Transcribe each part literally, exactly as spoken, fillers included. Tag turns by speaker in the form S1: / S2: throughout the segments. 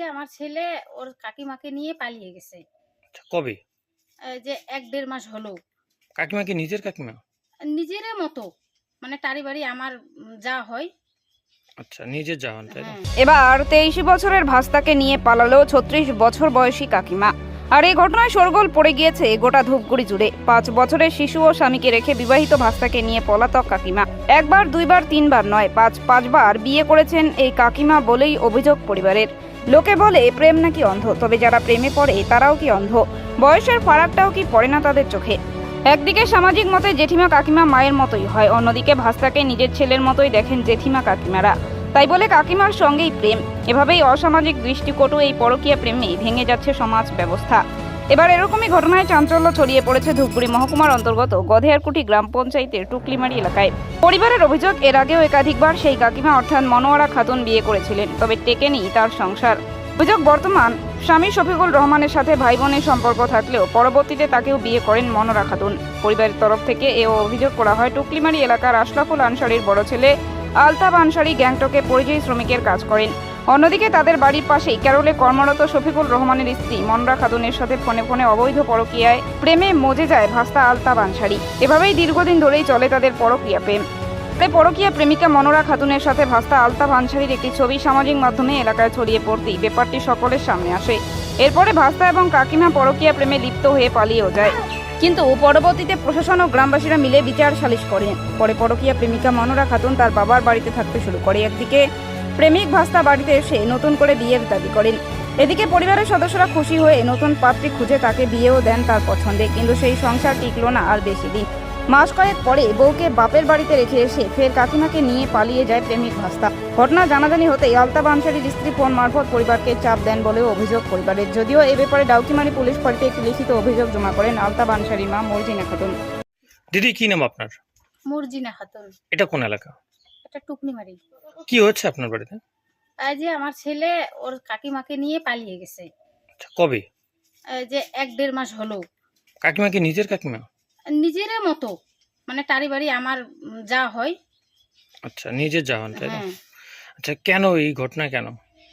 S1: যে আমার ছেলে ওর কাকিমাকে নিয়ে পালিয়ে গেছে।
S2: আচ্ছা, কবে?
S1: এই যে এক দেড় মাস হলো।
S2: কাকিমা কি নিজের কাকিমা?
S1: নিজের মতো, মানে তারই বাড়ি আমার উম, যা হয়।
S2: আচ্ছা, নিজের জাহান, তাই না?
S1: হ্যাঁ,
S3: এবার তেইশ বছরের ভাস্তাকে নিয়ে পালালো ছত্রিশ বছর বয়সী কাকিমা। আর এই ঘটনায় শোরগোল পড়ে গিয়েছে গোটা ধূপগুড়ি জুড়ে। পাঁচ বছরের শিশু ও স্বামীকে রেখে বিবাহিত ভাস্তাকে নিয়ে পলাতক কাকিমা। একবার দুইবার তিনবার নয়, পাঁচ পাঁচবার বিয়ে করেছেন এই কাকিমা বলেই অভিযোগ পরিবারের। লোকে বলে প্রেম নাকি অন্ধ, তবে যারা প্রেমে পড়ে তারাও কি অন্ধ? বয়সের ফারাকটাও কি পড়ে না তাদের চোখে? একদিকে সামাজিক মতে জেঠিমা কাকিমা মায়ের মতোই হয়, অন্যদিকে ভাস্তাকে নিজের ছেলের মতোই দেখেন জেঠিমা কাকিমারা। তাই বলে কাকিমার সঙ্গেই প্রেম। এভাবেই অসামাজিক দৃষ্টিকটু এই পরকীয়া প্রেমে ভেঙে যাচ্ছে সমাজ ব্যবস্থা। এবার এরকমই ঘটনায় চাঞ্চল্য ছড়িয়ে পড়েছে ধূপগুড়ি মহকুমার অন্তর্গত গধেয়ারকুটি গ্রাম পঞ্চায়েতের টুকলিমারি এলাকায়। পরিবারের অভিযোগ, এর আগেও একাধিকবার সেই কাকিমা অর্থাৎ মনোয়ারা খাতুন বিয়ে করেছিলেন, তবে টেকেনি তার সংসার। অভিযোগ, বর্তমান স্বামী শফিকুল রহমানের সাথে ভাই বোনের সম্পর্ক থাকলেও পরবর্তীতে তাকেও বিয়ে করেন মনোয়ারা খাতুন। পরিবারের তরফ থেকে এও অভিযোগ করা হয় টুকলিমারি এলাকার আশরাফুল আনসারির বড় ছেলে আলতাফ আনসারি গ্যাংটকে পরিযায়ী শ্রমিকের কাজ করেন। অন্যদিকে তাদের বাড়ির পাশেই ক্যারলে কর্মরত শফিকুল রহমানের স্ত্রী মনোয়ারা খাতুনের সাথে ফোনে ফোনে অবৈধ পরকীয়ায় প্রেমে মজে যায় ভাস্তা আলতাফ আনসারি। এভাবেই দীর্ঘদিন ধরেই চলে তাদের পরকীয়া প্রেম। তাই পরকীয়া প্রেমিকা মনোয়ারা খাতুনের সাথে ভাস্তা আলতাফ আনসারির একটি ছবি সামাজিক মাধ্যমে এলাকায় ছড়িয়ে পড়তেই ব্যাপারটি সকলের সামনে আসে। এরপরে ভাস্তা এবং কাকিমা পরকীয়া প্রেমে লিপ্ত হয়ে পালিয়েও যায়, কিন্তু পরবর্তীতে প্রশাসন ও গ্রামবাসীরা মিলে বিচার সালিশ করেন। পরে পরকীয়া প্রেমিকা মনোয়ারা খাতুন তার বাবার বাড়িতে থাকতে শুরু করে। একদিকে প্রেমিক ভাস্তা বাড়িতে এসে নতুন করে বিয়ের দাবি করেন, এদিকে পরিবারের সদস্যরা খুশি হয়ে নতুন পাত্রী খুঁজে তাকে বিয়েও দেন তার পছন্দে। কিন্তু সেই সংসার টিকলো না আর বেশি দিন। মাস কয়েক পরে বউকে বাপের বাড়িতে রেখে এসে ফের কাকিমাকে নিয়ে পালিয়ে যায় প্রেমিক ভাস্তা। ঘটনা জানাজানি হতেই আলতাফ আনসারির স্ত্রী ফোন মারফত পরিবারকে চাপ দেন বলেও অভিযোগ পরিবারের। যদিও এ ব্যাপারে ডাউকিমারি পুলিশ ফাঁড়িতে একটি লিখিত অভিযোগ জমা করেন আলতাফ আনসারির মা মর্জিনা খাতুন।
S2: দিদি, কি নাম আপনার?
S1: মর্জিনা খাতুন।
S2: এটা কোন এলাকা?
S1: এটা টুকনিমারি।
S2: কি হচ্ছে আপনার বাড়িতে?
S1: এই যে আমার ছেলে ওর কাকিমাকে নিয়ে পালিয়ে গেছে।
S2: আচ্ছা, কবে?
S1: এই যে এক দেড় মাস হলো।
S2: কাকিমা কি নিজের কাকিমা?
S1: নিজের মতো, মানে তারই বাড়ি আমার উম, যা হয়।
S2: আচ্ছা, নিজের জাহান, তাই না?
S1: হ্যাঁ,
S2: আচ্ছা, কেন এই ঘটনা কেন?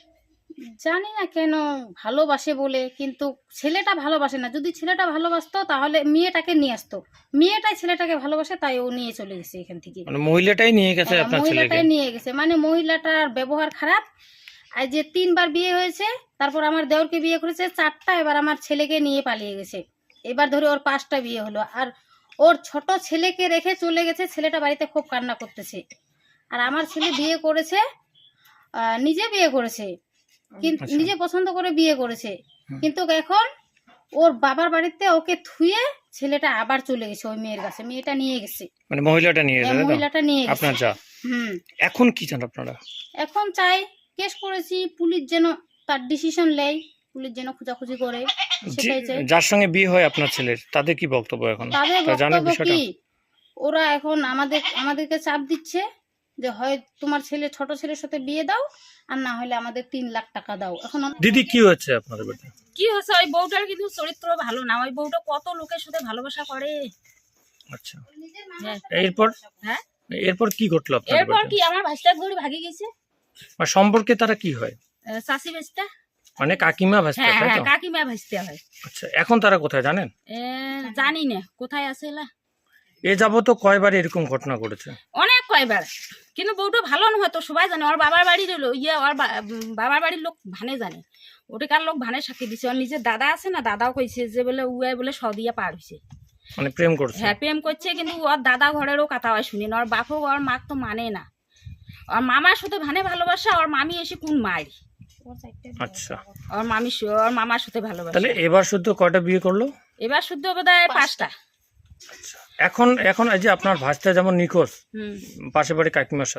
S1: জানি না কেন, ভালোবাসে বলে। কিন্তু ছেলেটা ভালোবাসে না। যদি ছেলেটা ভালোবাসতো তাহলে মেয়েটাকে নিয়ে আসতো। মেয়েটাই ছেলেটাকে ভালোবাসে, তাই ও নিয়ে চলে গেছে এখান থেকে।
S2: মানে মহিলাটাই নিয়ে গেছে
S1: হ্যাঁ,
S2: আপনার ছেলেকে?
S1: মহিলাটাই নিয়ে গেছে, মানে মহিলাটার ব্যবহার খারাপ। আর যে তিনবার বিয়ে হয়েছে, তারপর আমার দেওরকে বিয়ে করেছে চারটা, এবার আমার ছেলেকে নিয়ে পালিয়ে গেছে। এবার ধরে ওর পাঁচটা বিয়ে হলো। আর ওর ছোট ছেলেকে রেখে চলে গেছে। ছেলেটা বাড়িতে খুব কান্না করতেছে। আর আমার ছেলে বিয়ে করেছে, আহ, নিজে বিয়ে করেছে, কিন্তু
S2: আচ্ছা।
S1: নিজে পছন্দ করে বিয়ে করেছে।
S2: হুম।
S1: কিন্তু এখন ওর বাবার বাড়িতে ওকে থুয়ে ছেলেটা আবার চলে গেছে ওই মেয়ের কাছে। মেয়েটা নিয়ে গেছে,
S2: মানে মহিলাটা নিয়ে
S1: হ্যাঁ,
S2: গেছে, তাই তো?
S1: মহিলাটা নিয়ে গেছে।
S2: আপনার যা।
S1: হুম,
S2: এখন কি চান আপনারা?
S1: এখন চাই কেস করেছি, পুলিশ যেন তার ডিসিশন নেয়, পুলিশ যেন খোঁজাখুঁজি করে, সেটাই চাই।
S2: যে- যার সঙ্গে বিয়ে হয় আপনার ছেলের, তাদের কি বক্তব্য এখন?
S1: তাদের
S2: তা জানার
S1: বক্তব্য
S2: বিষয়টা?
S1: কি, ওরা এখন আমাদের আমাদেরকে চাপ দিচ্ছে যে হয় তোমার ছেলে ছোট ছেলের সাথে বিয়ে দাও, আর না হলে আমাদের তিন লাখ টাকা দাও। এখন আমরা-
S2: দিদি, কি হচ্ছে আপনাদের বাড়িতে?
S4: কি হচ্ছে, ওই বউটার কিন্তু চরিত্র ভালো না। ওই বউটা কত লোকের সাথে ভালোবাসা করে।
S2: আচ্ছা,
S4: হ্যাঁ,
S2: এরপর
S4: হ্যাঁ,
S2: এরপর কি ঘটলো আপনাদের
S4: এরপর
S2: বাড়িতে?
S4: কি আমার ভাইস্তা ধরে ভাগি গেছে।
S2: আর সম্পর্কে তারা কি হয়?
S4: আহ, চাষি ভাইস্তা।
S2: মানে কাকিমা ভাস্তা,
S4: হ্যাঁ
S2: তাই
S4: হ্যাঁ,
S2: তো?
S4: কাকিমা ভাইস্তা হয়।
S2: আচ্ছা, এখন তারা কোথায় জানেন?
S4: এ, জানি না কোথায় আছে এলা।
S2: এ যাবত কয়বার এরকম ঘটনা ঘটেছে?
S4: অনেক কয়বার। কিন্তু বউটা ভালো নয় তো, সবাই জানে। ওর বাবার বাড়ির লো- ইয়ে ওর বা- উম, বাবার বাড়ির লোক ভানে জানে। ওটাকার লোক ভানে সাক্ষী দিছে। ওর নিজের দাদা আছে না, দাদাও কইছে যে বলে উয়াই বলে সদিয়া পার হয়েছে।
S2: মানে প্রেম করছে?
S4: হ্যাঁ, প্রেম করছে, কিন্তু ওর দাদা ঘরেরও কথা হয় শুনি না। ওর বাপও ওর মাক তো মানে না। ওর মামার সাথে ভানে ভালোবাসা, ওর মামি এসে কোন মারি।
S2: আচ্ছা,
S4: ওর মামি সু- ওর মামার সাথে ভালোবাসা।
S2: তাহলে এবার শুদ্ধ কয়টা বিয়ে করলো?
S4: এবার শুদ্ধ বোধহয় পাঁচটা।
S2: এখন এখন এই যে আপনার ভাস্তা যেমন নিখোঁজ,
S4: হুম।
S2: পাশে বাড়ি কাকিমার সাথে